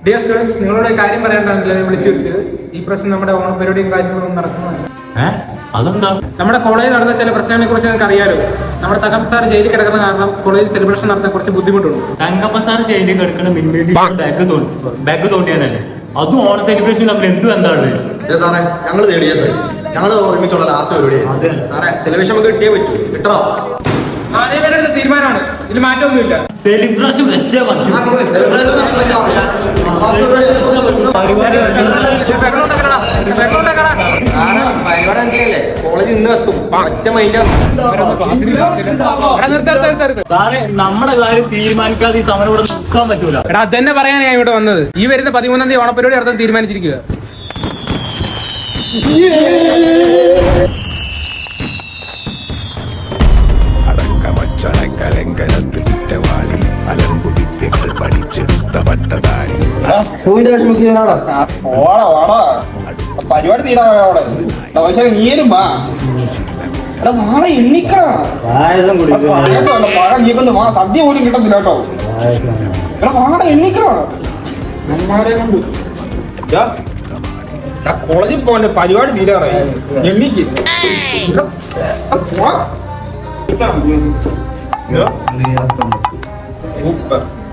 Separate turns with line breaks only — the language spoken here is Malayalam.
ഡിയർ സ്റ്റുഡൻസ്, നിങ്ങളോട് കാര്യം പറയാനാണല്ലോ വിളിച്ചു വരുത്തിയത്. ഈ പ്രശ്നം നമ്മുടെ ഓണപരിപാടിയും കാര്യങ്ങളും നടക്കുന്നുണ്ട്.
അതെന്താ?
നമ്മുടെ കോളേജിൽ നടന്ന ചില പ്രശ്നങ്ങളെ കുറിച്ച് നിങ്ങൾക്ക് അറിയാലോ. നമ്മുടെ തകം സാർ ജയിലിൽ കിടക്കുന്ന കാരണം കോളേജിൽ സെലിബ്രേഷൻ നടത്താൻ കുറച്ച് ബുദ്ധിമുട്ടുണ്ട്.
തങ്കപ്പ സാർ ജയിലിൽ കിടക്കുന്ന ബാഗ് തോണ്ടിയാനല്ലേ? അതും ഓണ സെലിബ്രേഷൻ തമ്മിൽ എന്തും എന്താണ്
സാറേ? ഞങ്ങൾ ഞങ്ങൾ ഒരുമിച്ചുള്ള ലാസ്റ്റ് പരിപാടി സാറേ. സെലിബ്രേഷൻ നമുക്ക് കിട്ടിയേ പറ്റൂ. കിട്ടണോ?
അതേവരുടെ തീരുമാനമാണ്, ഇതിൽ മാറ്റമൊന്നുമില്ല.
സെലിബ്രേഷൻ വെച്ചേ പറ്റൂ.
കോളേജ് ഇന്ന് എത്തും. ഒറ്റ മൈൻഡ്
സാറേ, നമ്മുടെ കാര്യം തീരുമാനിക്കാതെ ഈ സമരം ഇവിടെ നിൽക്കാൻ പറ്റൂല.
എടാ, അതന്നെ പറയാനാണ് ഞാൻ ഇവിടെ വന്നത്. ഈ വരുന്ന 13-ാം തീയതി ഓണപരിപാടി നടത്താൻ തീരുമാനിച്ചിരിക്കുക.
പരിപാടി തീരാവിടെ നീരും വാ. എടാ നാളെ എണ്ണിക്കണം. സദ്യ പോലും കിട്ടത്തില്ല കേട്ടോ. എടാ നാളെ എണ്ണിക്കണം. കോളേജിൽ പോകണ്ട, പരിപാടി തീരാറായി. എണ്ണിക്ക് സൂപ്പർ.